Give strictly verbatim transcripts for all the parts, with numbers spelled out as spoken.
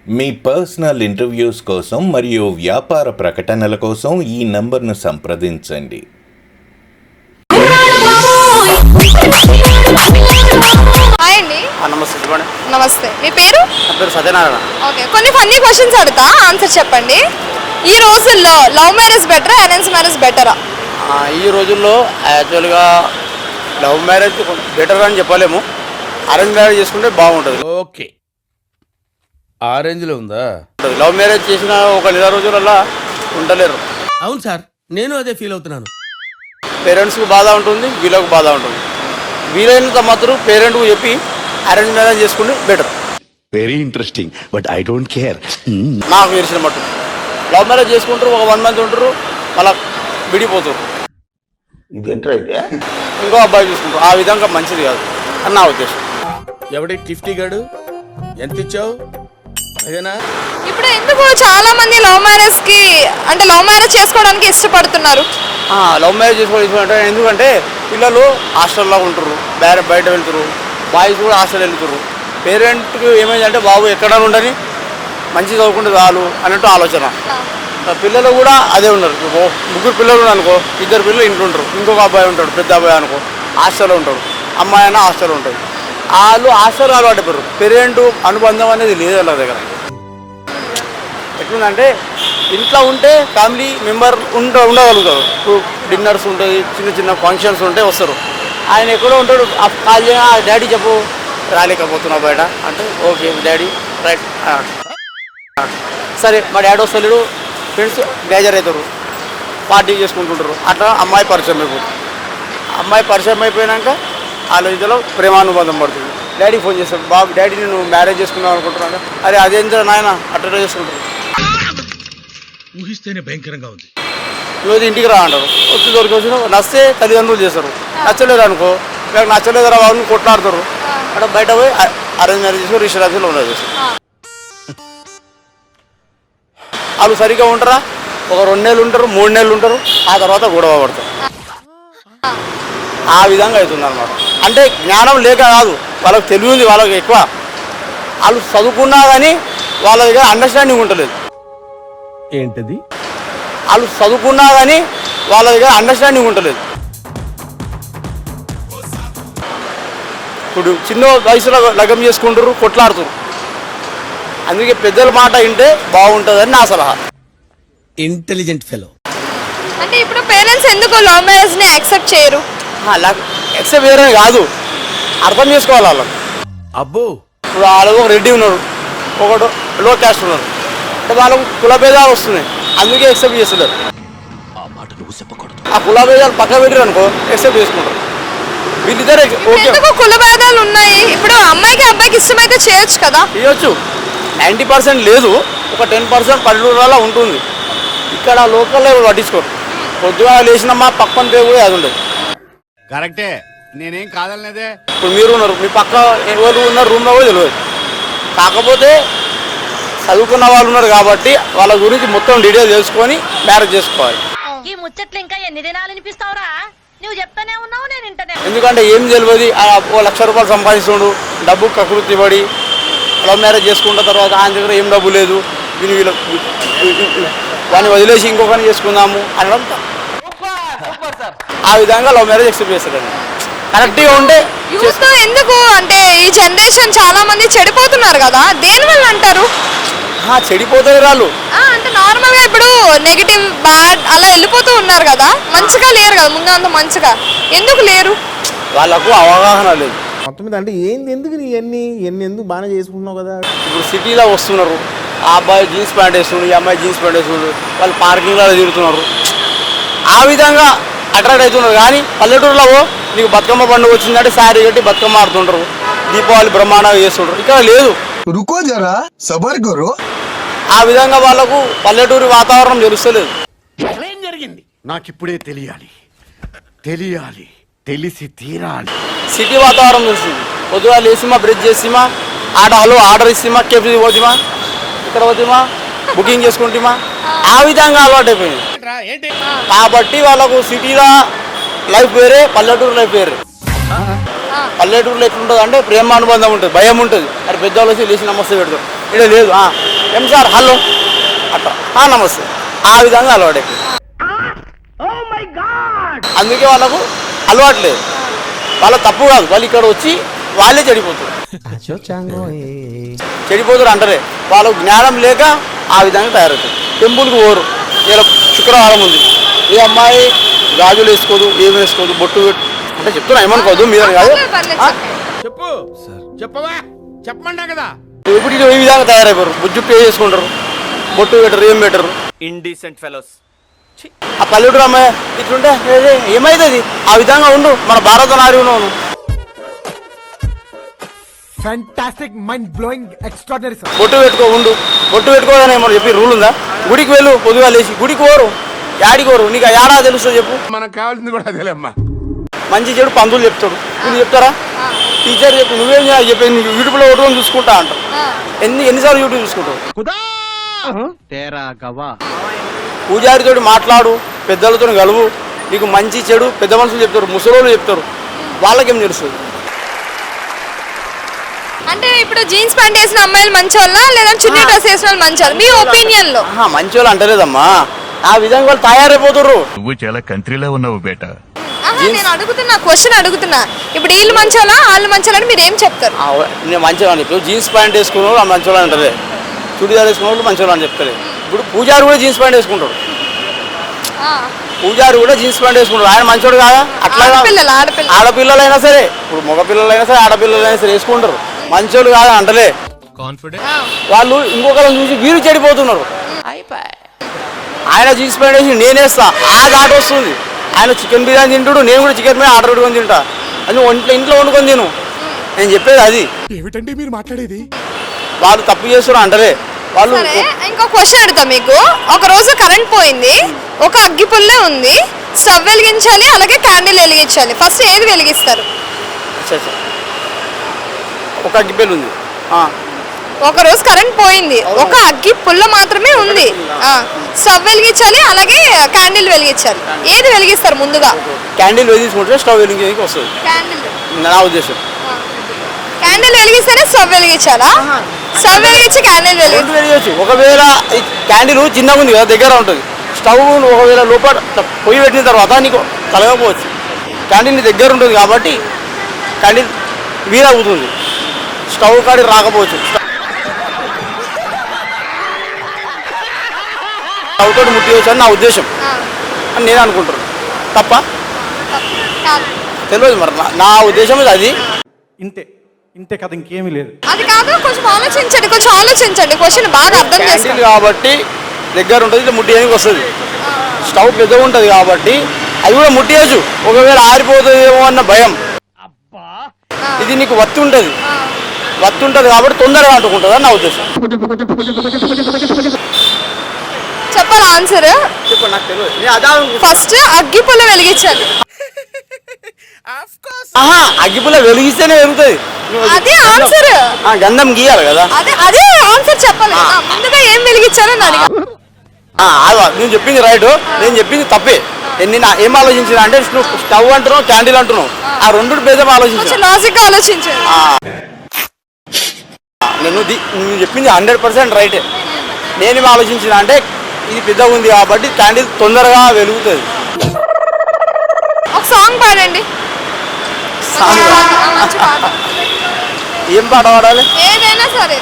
మీ personal interviews కోసం మరియు వ్యాపార ప్రకటనల కోసం ఈ నంబర్ను సంప్రదించండి. హాయ్ అండి. నమస్తే చెప్పండి. నమస్తే, మీ పేరు? నా పేరు సత్యనారాయణ. ఓకే, కొన్ని ఫన్నీ క్వశ్చన్స్ అడుగుతా, ఆన్సర్ చెప్పండి. ఈ రోజుల్లో లవ్ మ్యారేజ్ బెటరా, అరేంజ్ మ్యారేజ్ బెటరా? ఈ రోజుల్లో యాక్చువల్గా లవ్ మ్యారేజ్ బెటర్ అని చెప్పలేము, అరేంజ్ మ్యారేజ్ చేసుకుంటే బాగుంటుంది. ఓకే, ఆ రేంజ్లో ఉందా? లవ్ మ్యారేజ్ చేసిన ఒక నెల రోజులలో ఉండలేరు. అవును సార్, నేను అదే ఫీల్ అవుతున్నాను. పేరెంట్స్కి బాధ ఉంటుంది, వీళ్ళకు బాధ ఉంటుంది. వీలైనంత మాత్రం పేరెంట్కు చెప్పి అరేంజ్ మ్యారేజ్ చేసుకుంటే better. Very interesting, but I don't care. నాకు తెలిసిన మట్టు లవ్ మ్యారేజ్ చేసుకుంటారు, ఒక వన్ మంత్ ఉంటారు, మళ్ళీ విడిపోతారు, ఇంకో అబ్బాయి చూసుకుంటారు. ఆ విధంగా మంచిది కాదు అని నా ఉద్దేశం. ఎవడి టిఫ్టీ గాడు ఎంత ఇచ్చావు? అదేనా? ఇప్పుడు ఎందుకు చాలా మంది లవ్ మ్యారేజ్ కి అంటే లవ్ మ్యారేజ్ చేసుకోవడానికి ఇష్టపడుతున్నారు? లవ్ మ్యారేజ్ చేసుకోవాలంటే ఎందుకంటే పిల్లలు హాస్టల్లో ఉంటారు, వేరే బయట వెళ్తారు, బాయ్స్ కూడా హాస్టల్ వెళ్తారు. పేరెంట్కి ఏమైందంటే బాబు ఎక్కడ ఉండని మంచి చదువుకుంటే చాలు అన్నట్టు ఆలోచన. పిల్లలు కూడా అదే ఉన్నారు. ముగ్గురు పిల్లలు ఉన్నారు అనుకో, ఇద్దరు పిల్లలు ఇంట్లో ఉంటారు, ఇంకొక అబ్బాయి ఉంటాడు, పెద్ద అబ్బాయి అనుకో హాస్టల్లో ఉంటాడు, అమ్మాయి అయినా హాస్టల్లో ఉంటుంది. వాళ్ళు హాస్టల్ అలవాటు పడరు, పేరెంట్ అనుబంధం అనేది లేదు వాళ్ళ దగ్గర. ఎట్లుందంటే ఇంట్లో ఉంటే ఫ్యామిలీ మెంబర్ ఉండ ఉండగలుగుతారు. ఇప్పుడు డిన్నర్స్ ఉంటుంది, చిన్న చిన్న ఫంక్షన్స్ ఉంటే వస్తారు. ఆయన ఎక్కడో ఉంటాడు, కాల్ చేయగా డాడీ చెప్పు రాలేకపోతున్నావు బయట అంటే ఓకే డాడీ రైట్ సరే. మా డాడీ వస్తలేడు, ఫ్రెండ్స్ గ్యాజర్ అవుతారు, పార్టీ చేసుకుంటుంటారు. అట్లా అమ్మాయి పరిచయం అయిపోతుంది. అమ్మాయి పరిచయం అయిపోయాక వాళ్ళ ఇద్దరు ప్రేమానుబంధం పడుతుంది. డాడీ ఫోన్ చేస్తాడు, బాబు డాడీ నేను మ్యారేజ్ చేసుకుందాం అనుకుంటున్నాను. అరే అదేంటో నాయన అట్లా చేసుకుంటారు. ఊహిస్తేనే భయంకరంగా ఉంది. ఈరోజు ఇంటికి రా అంటారు, వచ్చి దొరికి వచ్చిన నచ్చే తల్లిదండ్రులు చేస్తారు, నచ్చలేదు అనుకో లేక నచ్చలేదు రా వాళ్ళని కొట్లాడతారు. అక్కడ బయట పోయి అరేంజ్ మ్యారేజ్ చేసుకుని రిజిస్ట్రేషన్ ఉన్నది చేస్తారు. వాళ్ళు సరిగ్గా ఉంటారా, ఒక రెండు నెలలు ఉంటారు, మూడు నెలలు ఉంటారు, ఆ తర్వాత గొడవ పడతారు. ఆ విధంగా అవుతుంది అనమాట. అంటే జ్ఞానం లేక కాదు, వాళ్ళకి తెలివి ఉంది, వాళ్ళకి ఎక్కువ. వాళ్ళు చదువుకున్నా కానీ వాళ్ళ దగ్గర అండర్స్టాండింగ్ ఉండలేదు. ఏంటది? వాళ్ళు చదువుకున్నా కానీ వాళ్ళ దగ్గర అండర్స్టాండింగ్ ఉండలేదు. ఇప్పుడు చిన్న వయసులో లగ్గం చేసుకుంటారు, కొట్లాడుతారు. అందుకే పెద్దల మాట వింటే బాగుంటుందని నా సలహా. Intelligent fellow. అంటే ఇప్పుడు పేరెంట్స్ ఎందుకు లవ్ మ్యారేజ్ ని యాక్సెప్ట్ చేయరు? ఎక్సెప్ట్ చేయరని కాదు, అర్థం చేసుకోవాలి వాళ్ళకి. అబ్బో, ఇప్పుడు వాళ్ళకు ఒక రెడ్డి ఉన్నారు, ఒకడు లో క్యాస్ట్ ఉన్నారు, అంటే వాళ్ళకు కుల భేదాలు వస్తున్నాయి, అందుకే ఎక్సెప్ట్ చేస్తున్నారు. ఆ కుల భేదాలు పక్క పెట్టారు అనుకో ఎక్సెప్ట్ చేసుకుంటారు. వీళ్ళిద్దరే ఓకే. ఎందుకు కుల భేదాలు ఉన్నాయి? ఇప్పుడు అమ్మాయికి అబ్బాయికి ఇష్టమైతే చేయొచ్చు కదా. చేయొచ్చు, నైంటీ పర్సెంట్ లేదు, ఒక టెన్ పర్సెంట్ పల్లెటూరులో ఉంటుంది. ఇక్కడ లోకల్లో పట్టించుకోరు. పొద్దుగా లేచినమ్మా పక్కన పేరు అది ఉండదు. కరెక్టే, నేనేం కాదనలేదే. ఇప్పుడు మీరు ఉన్నారు, మీ పక్క ఎవరు ఉన్నారు రూమ్లో కూడా తెలియదు. కాకపోతే చదువుకున్న వాళ్ళు ఉన్నారు కాబట్టి వాళ్ళ గురించి మొత్తం డీటెయిల్ తెలుసుకొని మ్యారేజ్ చేసుకోవాలి. ఈ ముచ్చట్లు ఇంకా ఎన్ని దినాలు వినిపిస్తావురా? నువ్వు చెప్తానే ఉన్నావు, నేను వింటనే. ఎందుకంటే ఏం తెలియదు, ఓ లక్ష రూపాయలు సంపాదిస్తుండు, డబ్బు కకృతి పడి లవ్ మ్యారేజ్ చేసుకున్న తర్వాత ఆయన దగ్గర ఏం డబ్బు లేదు, వీళ్ళు వీళ్ళు వాడిని వదిలేసి ఇంకొకరిని చేసుకుందాము అనడం. ఆ విధంగా లవ్ మ్యారేజ్ ఎక్సెప్ట్ చేస్తారండి. కరెక్ట్గా ఉంటే యూత్ ఎందుకు అంటే ఈ జనరేషన్ చాలా మంది చెడిపోతున్నారు కదా, దేని వల్ల అంటారు? చెడిపోతారు వాళ్ళు. అంటే నార్మల్ గా ఇప్పుడు నెగిటివ్ బ్యాడ్ అలా వెళ్ళిపోతూ ఉన్నారు కదా, మంచిగా లేరు కదా, ముందు అంత మంచిగా ఎందుకు లేరు? వాళ్ళకు అవగాహన లేదు మొత్తం మీద. అంటే ఏంది ఎందుకు నీ ఎన్ని ఎన్ని ఎందుకు బాగానే చేసుకుంటున్నావు కదా. ఇప్పుడు సిటీలో వస్తున్నారు, ఆ అబ్బాయి జీన్స్ ప్యాంట్ వేస్తున్నారు, ఈ అమ్మాయి జీన్స్ ప్యాంట్ వేస్తున్నారు, వాళ్ళు పార్కింగ్లో తిరుగుతున్నారు, ఆ విధంగా అట్రాక్ట్ అవుతున్నారు. కానీ పల్లెటూరులో నీకు బతుకమ్మ పండుగ వచ్చిందంటే శారీ కట్టి బతుకమ్మ ఆడుతుంటారు, దీపావళి బ్రహ్మాండంగా చేస్తుంటారు. ఇక్కడ లేదు. రుకో జరా సబర్ కరో. ఆ విధంగా వాళ్ళకు పల్లెటూరి వాతావరణం తెలుస్తలేదు. ఏం జరిగింది నాకు ఇప్పుడే తెలియాలి, తెలియాలి, తెలిసి తీరాలి. సిటీ వాతావరణం తెలుస్తుంది. పొద్దుగా లేసిమా, బ్రష్ చేసిమా, ఆడ హలో ఆర్డర్ ఇస్తామా, కేఫీ పోతిమా, ఇక్కడ పోతిమా, బుకింగ్ చేసుకుంటామా, ఆ విధంగా అలవాటు అయిపోయింది. కాబట్టి వాళ్ళకు సిటీలో లైఫ్ వేరే, పల్లెటూరు లైఫ్ వేరే. పల్లెటూరులో ఎట్లుంటుంది అంటే ప్రేమ అనుబంధం ఉంటుంది, భయం ఉంటుంది. అది పెద్దవాళ్ళు వచ్చి లేచి నమస్తే పెడతారు. ఇక్కడ లేదు, ఏం సార్ హలో అట్లా "ఆ, నమస్తే ఆ విధంగా అలవాటు అందుకే వాళ్ళకు అలవాటు లేదు. వాళ్ళ తప్పు కాదు, వాళ్ళు ఇక్కడ వచ్చి వాళ్ళే చెడిపోతారు చెడిపోతారు అంటారే వాళ్ళకు జ్ఞానం లేక ఆ విధంగా తయారవుతారు. టెంపుల్కి పోరు. ఇలా శుక్రవారం ఉంది, ఈ అమ్మాయి గాజులు వేసుకోదు, ఏమి వేసుకోదు, బొట్టు పెట్టు అంటే చెప్తున్నా, ఏమనుకోదు మీద కాదు. పర్లేదు, ఆ? చెప్పండి. చెప్పు చెప్పవా చెప్పమంటా కదా. ఇప్పుడు ఈ విధంగా తయారైపోరు. బుజ్జు పే చేసుకుంటారు, బొట్టు పెట్టరు, ఏం పెట్టరు. Indecent fellows. ఆ పల్లెటూరు అమ్మాయి ఇట్లుంటే "ఏ, ఏమైతుంది ఆ విధంగా ఉండు, మన భారత నారి ఉన్నావు. Fantastic mind blowing extraordinary sir. బొట్టు పెట్టుకో ఉండు, బొట్టు పెట్టుకోదని ఏమో చెప్పి రూల్ ఉందా? గుడికి వెళ్ళు, పొద్దుగా లేచి గుడికి పోరు, యాడికి పోరు, నీకు ఆ ఏడా తెలుస్తుంది చెప్పు. మనకు కావాల్సింది కూడా అదేలేమ్మా. మంచి చెడు పంతులు చెప్తాడు, వీళ్ళు చెప్తారా? టీచర్ చెప్పి నువ్వేం చేయాలి చెప్పి యూట్యూబ్లో ఒకటి చూసుకుంటా అంటావు. ఎన్ని ఎన్నిసార్లు యూట్యూబ్ చూసుకుంటావు? పూజారితో మాట్లాడు, పెద్దలతో కలువు, నీకు మంచి చెడు పెద్ద మనుషులు చెప్తారు, ముసలోళ్ళు చెప్తారు, వాళ్ళకేం తెలుస్తుంది? అంటే ఇప్పుడు జీన్స్ ప్యాంట్ వేసిన అమ్మాయిలు మంచోళ్ళ లేదా చున్నీ డ్రెస్ వేసిన వాళ్ళు మంచోళ్ళు మీ ఒపీనియన్ లో? ఆహా, మంచి వాళ్ళు అంటలేదమ్మా, ఆ విధంగా వాళ్ళు తయారైపోతుర్రు. నువ్వు చాలా కంట్రీలో ఉన్నావు బేటా. ఆహా, నేను అడుగుతున్నా, క్వశ్చన్ అడుగుతున్నా. ఇప్పుడు వీళ్ళు మంచోళ్ళ వాళ్ళు మంచోళ్ళని మీరు ఏం చెప్తారు? ఆ, నేను మంచి వాళ్ళు ఇప్పుడు జీన్స్ ప్యాంట్ వేసుకున్న వాళ్ళు మంచి వాళ్ళు అంటారే, చుడిదార్ వేసుకున్న వాళ్ళు మంచి వాళ్ళు అని చెప్తారు. ఇప్పుడు పూజారి కూడా జీన్స్ ప్యాంట్ వేసుకుంటాడు, పూజారి కూడా జీన్స్ ప్యాంట్ వేసుకుంటాడు, ఆయన మంచోడు కాదా? అట్లా ఆడపిల్లలు ఆడపిల్ల ఆడపిల్లలైనా సరే, ఇప్పుడు మగ పిల్లలైనా సరే ఆడపిల్లలైనా సరే వేసుకుంటారు, మంచోళ్ళు కాదా అంటలే. వాళ్ళు ఇంకొకరిని చూసి వీరు చెడిపోతున్నారు. ఆయన జీన్స్ ప్యాంట్ వేసి నేనేస్తా, ఆ దాట వస్తుంది. ఆయన చికెన్ బిర్యానీ తింటాడు, నేను కూడా చికెన్ బిర్యానీ ఆర్డర్ పెట్టుకొని తింటా, అది ఒంట్లో ఇంట్లో వండుకొని తిను. నేను చెప్పేది అది. ఏమిటండి మీరు మాట్లాడేది? వాళ్ళు తప్పు చేస్తున్నారు అంటలే వాళ్ళు. సరే, ఇంకో క్వశ్చన్ అడుగుతా మీకు. ఒక రోజు కరెంట్ పోయింది, ఒక అగ్గి పుల్లే ఉంది, స్టవ్ వెలిగించాలి, అలాగే క్యాండిల్ వెలిగించాలి. ఫస్ట్ ఏది వెలిగిస్తారు? అచ్చా, అచ్చా. ఒక అగ్గిపెల్లి ఉంది. ఆ. ఒక రోజు కరెంట్ పోయింది, ఒక అగ్గి పుల్ల మాత్రమే ఉంది, స్టవ్ వెలిగించాలి, అలాగే క్యాండిల్ వెలిగించాలి. ఏది వెలిగిస్తారు ముందుగా? క్యాండిల్ వెలిగించుకుంటే స్టవ్ వెలిగించడానికి వస్తుంది క్యాండిల్. నా ఉద్దేశం. క్యాండిల్ వెలిగిస్తేనే స్టవ్ వెలిగించాలా? స్టవ్ వెలిగించి క్యాండిల్ వెలిగి రెండు వెలిగించు. ఒకవేళ ఈ క్యాండిల్ చిన్నగా ఉంది కదా, దగ్గర ఉంటుంది, స్టవ్ ఒకవేళ లోపల పొయ్యి పెట్టిన తర్వాత నీకు కలగకపోవచ్చు. క్యాండిల్ నీ దగ్గర ఉంటుంది కాబట్టి క్యాండిల్ వీరవుతుంది, స్టవ్ కాడికి రాకపోవచ్చు. స్టవ్ తోటి ముట్టివచ్చు అని నా ఉద్దేశం అని నేను అనుకుంటున్నాను. తప్ప తెలియదు మరి, నా- నా ఉద్దేశం ఇది అది. ఇంతే ఇంతే కదా, ఇంకేమీ లేదు. అది కాదు, కొంచెం ఆలోచించండి, కొంచెం ఆలోచించండి, క్వశ్చన్ బాగా అర్థం క్యాండిల్ చేసుకోండి. కాబట్టి దగ్గర ఉంటుంది, ఇట్లా ముట్టియడానికి వస్తుంది. స్టవ్ పెద్దగా ఉంటుంది కాబట్టి అది కూడా ముట్టియచ్చు, ఒకవేళ ఆరిపోతుందేమో అన్న భయం. ఇది నీకు వత్తి ఉంటుంది, వత్తి ఉంటుంది కాబట్టి తొందరగా అంటుకుంటుంది అని నా ఉద్దేశం. చెప్పాలి ఆన్సర్. చెప్పండి, నాకు తెలియదు. నేను అదే అనుకుంటున్నా. ఫస్ట్ అగ్గి పుల్ల వెలిగించాలి. ఆహా, అగ్గిపుల్ల వెలిగిస్తేనే వెలుగుతుంది. అదే ఆన్సర్. ఆ, గంధం గీయాలి కదా. అదే అదే ఆన్సర్ చెప్పాలి. ఆ, ముందుగా ఏం వెలిగించాలని అడిగా. ఆ, అదే నేను చెప్పింది రైట్, నేను చెప్పింది తప్పే. నేను ఏం ఆలోచించిన అంటే నువ్వు స్టవ్ అంటున్నావు, క్యాండిల్ అంటున్నావు, ఆ రెండు భేదం ఆలోచించాను. కొంచెం లాజిక్ గా ఆలోచించండి. నేను ది- నువ్వు చెప్పింది హండ్రెడ్ పర్సెంట్ రైటే. నేనేం ఆలోచించిన అంటే ఇది పెద్దగా ఉంది కాబట్టి క్యాండిల్ తొందరగా వెలుగుతుంది. ఒక సాంగ్ పాడండి. మంచి పాట, ఆ, మంచి పాట. ఏం పాట పాడాలి? ఏదైనా సరే.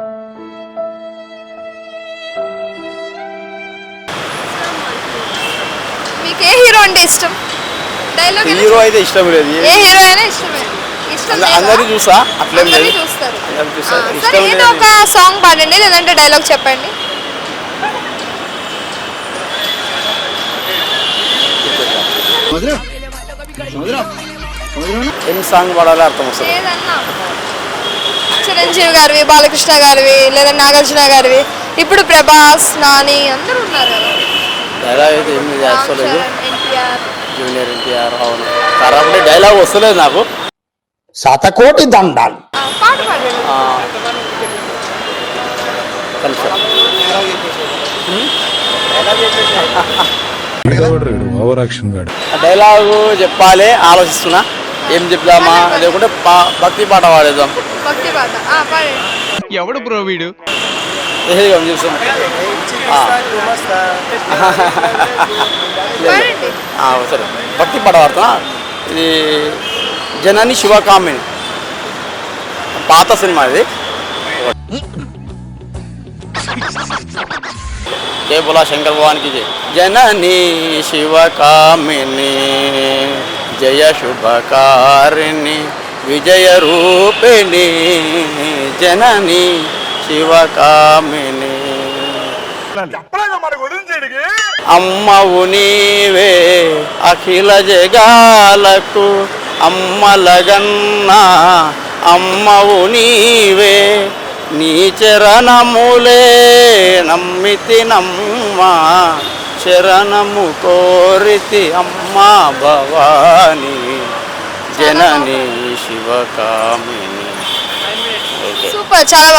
మీకు ఏ హీరో అంటే ఇష్టం? డైలాగ్ హీరో అయితే ఇష్టం లేదు, ఏ హీరో అయినా ఇష్టమే. ఇష్టం లేదా? అందరినీ చూసా, అట్లేం లేదు. అందరినీ చూస్తారు. అందరినీ చూసా, ఆ, ఇష్టం సరే, ఏదో లేదు. ఒక సాంగ్ పాడండి, లేదంటే డైలాగ్ చెప్పండి. ఏం సాంగ్ పాడాలి అర్థం వస్తుంది. ఏదన్నా చిరంజీవి గారివి, బాలకృష్ణ గారివి, లేదా నాగార్జున గారివి, ఇప్పుడు ప్రభాస్, నాని అందరూ ఉన్నారు కదా. డైలాగ్ అయితే ఏమి రామ్ చేస్తలేదు. చరణ్, ఎన్టీఆర్. జూనియర్ ఎన్టీఆర్, అవును కాబట్టి డైలాగ్ వస్తలేదు నాకు. శతకోటి దండాలు. ఆ, పాట పాడండి. ఆ, కొంచెం. ఆ డైలాగు చెప్పాలి, ఆలోచిస్తున్నా ఏం చెప్దామా, లేకుంటే పా- భక్తి పాట పాడేద్దాం. భక్తి పాట. ఆ, పాడండి. ఎవడు బ్రో వీడు? ఏది ఏం చూస్తాం ఆ. పాడండి. ఆ, సరే భక్తి పాట పాడుతున్నా ఇది జనని శివకామిని పాత సినిమా ఇది జయ బోలా శంకర్ భగవాన్కి జయ జనని శివకామిని జయ శుభకారిణి విజయ రూపిణి జనని శివకామిని అమ్మవు నీవే అఖిల జగాలకు అమ్మలగన్నా అమ్మవు నీవే నీ చరణములే నమ్మితి నమ్మ శరణము కోరితి అమ్మా భవాని జనని శివకామిని. సూపర్, చాలా